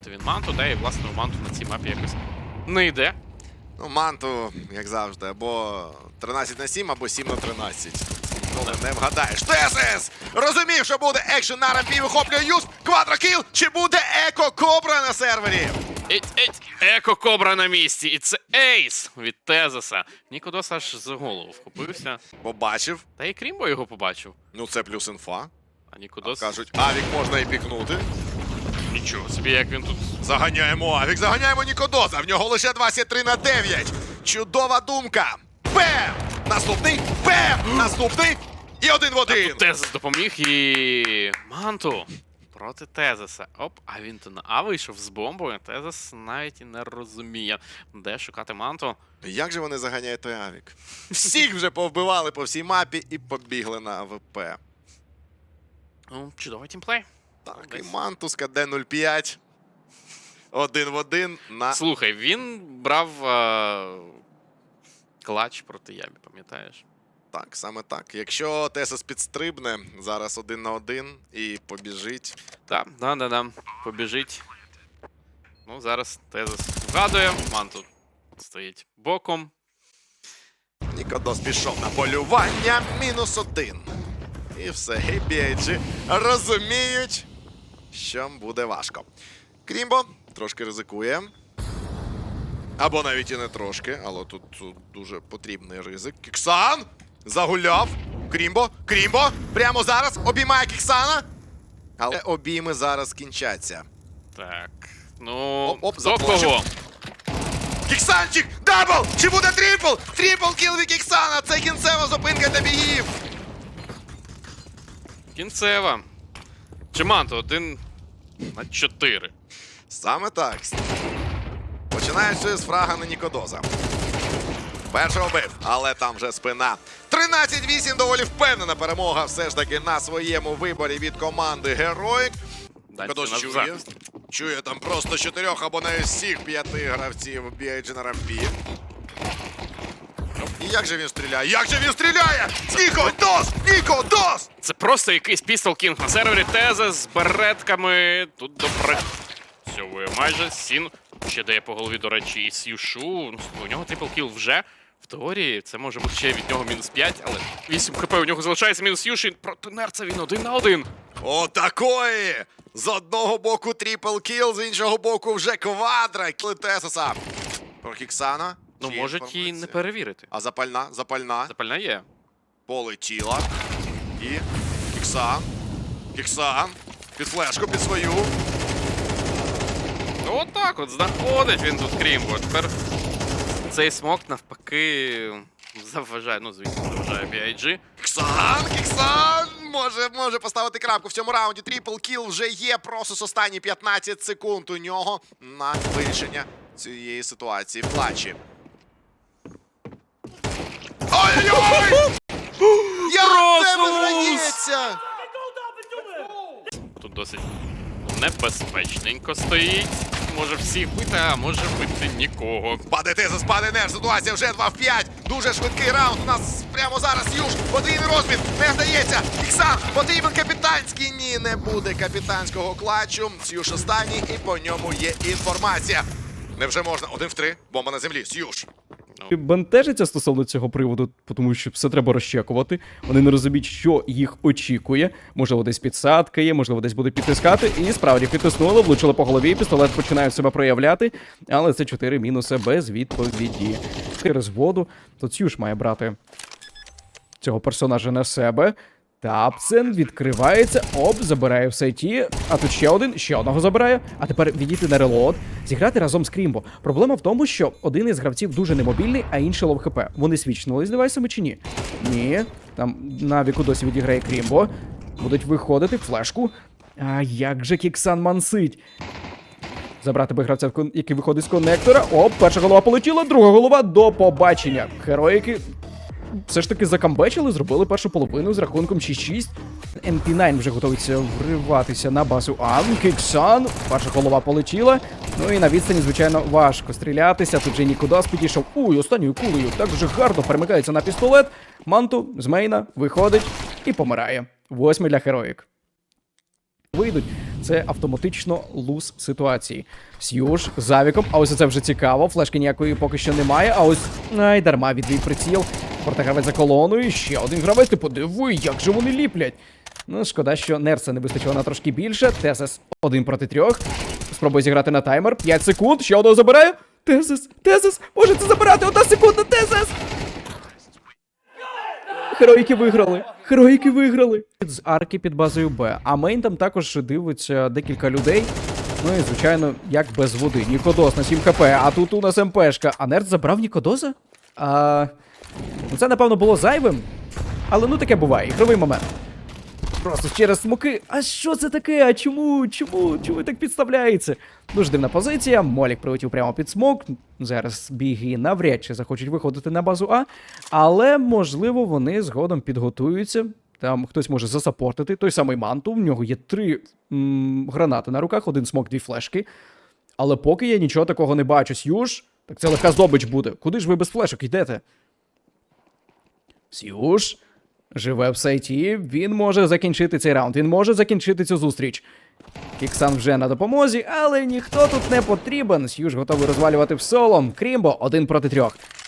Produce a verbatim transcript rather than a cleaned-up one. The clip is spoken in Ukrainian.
Він Манту, де і власне у Манту на цій мапі якось не йде. Ну, Манту, як завжди, або тринадцять на сім, або сім на тринадцять. Коли не вгадаєш. Тесис! Розумів, що буде екшен на рампі, вихоплює юз, квадрокіл, чи буде еко-кобра на сервері? Еть, еть, еко-кобра на місці. І це ейс від Тезеса. Нікодос аж за голову вхопився. Побачив. Та і Крімбо його побачив. Ну, це плюс інфа. А Нікодос... Кажуть, Авік можна і пікнути. Нічого собі, як він тут... Заганяємо Авік, заганяємо Нікодоза. В нього лише двадцять три на дев'ять. Чудова думка. Бем! Наступний. Бем! Наступний. І один в один. Тезес допоміг і... Манту проти Тезеса. Оп, а він то на А вийшов з бомбою. Тезес навіть і не розуміє, де шукати Манту. Як же вони заганяють той Авік? Всіх вже повбивали по всій мапі і побігли на АВП. Ну, чудовий тімплей. Так, Десь. і Мантуска Д нуль п'ять. Один в один на... Слухай, він брав а... клач проти Ябі, пам'ятаєш? Так, саме так. Якщо Тесос підстрибне, зараз один на один і побіжить. Так, да, да, да. Побіжить. Ну, зараз Тезес вгадує. Манту стоїть боком. Нікодос пішов на полювання. Мінус один. І все, і бі ай джі розуміють, що буде важко. Крімбо трошки ризикує. Або навіть і не трошки, але тут, тут дуже потрібний ризик. Кіксан загуляв. Крімбо, Крімбо прямо зараз обіймає Кіксана. Але обійми зараз кінчаться. Так, ну, Оп, оп, до заплачу. кого? Кіксанчик! Дабл! Чи буде трипл? Трипл кіл від Кіксана! Це кінцева зупинка для бігів! Кінцева. Чи Манту один на чотири. Саме так. Починаючи з фрага на Нікодоза. Першого бив, але там вже спина. тринадцять вісім, доволі впевнена перемога все ж таки на своєму виборі від команди Героїк. Нікодос чує. Чує там просто чотирьох або навіть всіх п'яти гравців бі ай джі на рампі. І як же він стріляє? Як же він стріляє? Нікодос! Нікодос! Це просто якийсь пістол кінг на сервері. Теза з беретками. Тут добре. Всьовує майже. Сін ще дає по голові, до речі, і Сюшу. Ну, у нього трипл кіл вже. В теорії це може бути ще від нього мінус п'ять, але вісім хп у нього залишається мінус Юші. Проти Нерца він один на один. Отакої! З одного боку трипл кіл, з іншого боку вже квадра. Кіли Тесоса. Про Кіксана. Ну, Чи є можуть і інформація? не перевірити. А запальна, запальна. Запальна є. Полетіла. І Кіксан. Кіксан. Під флешку, під свою. Ну, отак от знаходить він тут Крімбо. Тепер цей смок навпаки заважає, ну, звісно, заважає бі ай джі. Кіксан, Кіксан! Може, може поставити крапку в цьому раунді. Трипл кіл вже є. Просто останні п'ятнадцять секунд у нього на вирішення цієї ситуації в клатчі. Ой-ой-ой! Як це виграється? Тут досить небезпечненько стоїть. Може всіх бити, а може бити нікого. Паде Тезос, паде Нерс. Ситуація вже два в п'ять. Дуже швидкий раунд. У нас прямо зараз Юж. Подвійний розмін. Не вдається. Іксан. Потрібен капітанський. Ні, не буде капітанського клатчу. Сюж останній і по ньому є інформація. Невже можна? Один в три. Бомба на землі. Сюж. Бентежиться стосовно цього приводу, тому що все треба розчекувати. Вони не розуміють, що їх очікує. Можливо, десь підсадка є, можливо, десь будуть підтискати. І справді підтиснули, влучили по голові, пістолет починає себе проявляти. Але це чотири мінуси без відповіді. Через воду. Тут Сюж має брати цього персонажа на себе. Тапцен відкривається, оп, забирає в сайті, а тут ще один, ще одного забирає, а тепер відійти на релот, зіграти разом з Крімбо. Проблема в тому, що один із гравців дуже немобільний, а інший лов хп. Вони свічнули з девайсами чи ні? Ні, там на віку досі відіграє Крімбо, будуть виходити, флешку. А як же Кіксан мансить? Забрати би гравця, який виходить з коннектора, оп, перша голова полетіла, друга голова, до побачення. Героїки все ж таки закамбечили, зробили першу половину з рахунком шість шість. ем пі дев'ять вже готується вриватися на базу Ан. Кіксан. Перша голова полетіла. Ну і на відстані, звичайно, важко стрілятися. Тут же Нікодос підійшов. Уй, останньою кулею так вже гарно перемикається на пістолет. Манту з мейна виходить і помирає. Восьмий для Героїк. Вийдуть це автоматично луз ситуації. Сьюж з авіком, а ось це вже цікаво. Флешки ніякої поки що немає, а ось ай, дарма відвів приціл. Портагравець за колоною, ще один гравець, ти подиви, як же вони ліплять. Ну, шкода, що Нерса не вистачило на трошки більше. Тезес один проти трьох. Спробує зіграти на таймер. п'ять секунд, ще одного забирає. Тезес, Тезес, може це забирати, одна секунда, Тезес! Героїки виграли! Героїки виграли! З арки під базою Б. А мейн там також дивиться декілька людей. Ну і, звичайно, як без води. Нікодос на сім хп, а тут у нас МПшка. А Нерд забрав Нікодоса? А... Ну, це, напевно, було зайвим. Але ну таке буває, ігровий момент. Просто через смоки. А що це таке? А чому? Чому? Чому так підставляється? Дуже дивна позиція. Молік прилетів прямо під смок. Зараз біги навряд чи захочуть виходити на базу А. Але, можливо, вони згодом підготуються. Там хтось може засапортити. Той самий Манту. В нього є три м- гранати на руках, один смок, дві флешки. Але поки я нічого такого не бачу. Сьюж, так це легка здобич буде. Куди ж ви без флешок йдете? Сьюж живе в сайті, він може закінчити цей раунд, він може закінчити цю зустріч. Кіксан вже на допомозі, але ніхто тут не потрібен. Сьюж готовий розвалювати в соло. Крімбо один проти трьох.